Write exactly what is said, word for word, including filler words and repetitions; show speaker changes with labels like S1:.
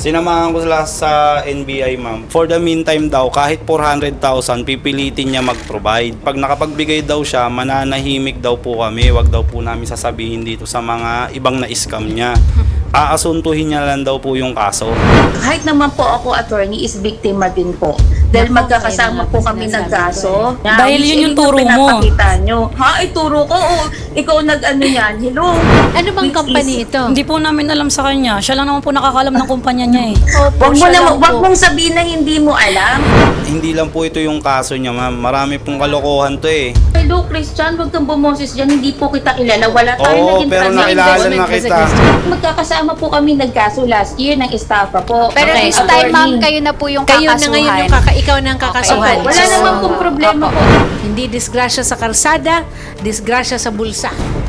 S1: Sinamahan ko sila sa N B I, ma'am. For the meantime daw, kahit four hundred thousand, pipilitin niya mag-provide. Pag nakapagbigay daw siya, mananahimik daw po kami. Wag daw po namin sasabihin dito sa mga ibang na-scam niya. Aasuntuhin niya lang daw po yung kaso.
S2: Kahit naman po ako, attorney, is biktima din po. Dahil
S3: Naku,
S2: magkakasama
S3: kaya
S2: po
S3: naman
S2: kami
S3: sinasabi
S2: nagkaso.
S3: ko
S2: Na,
S4: Dahil
S2: which
S4: yun yung
S2: is
S4: turo mo.
S2: pinapakita nyo. Ha? Ituro ko? O, ikaw nag-ano yan? Hello?
S3: Ano bang
S2: Which
S3: company
S2: is-
S3: ito?
S4: Hindi po namin alam sa kanya. Siya lang naman po nakakalam ng kumpanya niya eh.
S3: Opo,
S2: Wag mo
S3: siya
S2: na,
S3: lang
S2: wag
S3: po.
S2: mong sabihin na hindi mo alam.
S1: Hindi lang po ito yung kaso niya, ma'am. Marami pong kalokohan to eh.
S2: Hello, Christian, wag kang bumoses dyan. Hindi po kita kilala. Wala tayo
S1: Oo,
S2: naging
S1: pero
S2: transaction.
S1: nakilala na
S3: Investment
S1: kita.
S3: kasi
S2: Magkakasama po kami nagkaso last year ng estafa po.
S5: Pero
S2: Okay,
S5: this time,
S2: attorney.
S5: ma'am, kayo na po yung
S3: Kayo
S5: kakasuhan.
S3: na ngayon yung kaka ikaw na ang kakasuhan.
S2: Opo, wala
S3: So,
S2: naman pong problema
S3: opo.
S2: po.
S3: Hindi disgrasya sa kalsada, disgrasya sa bulsa.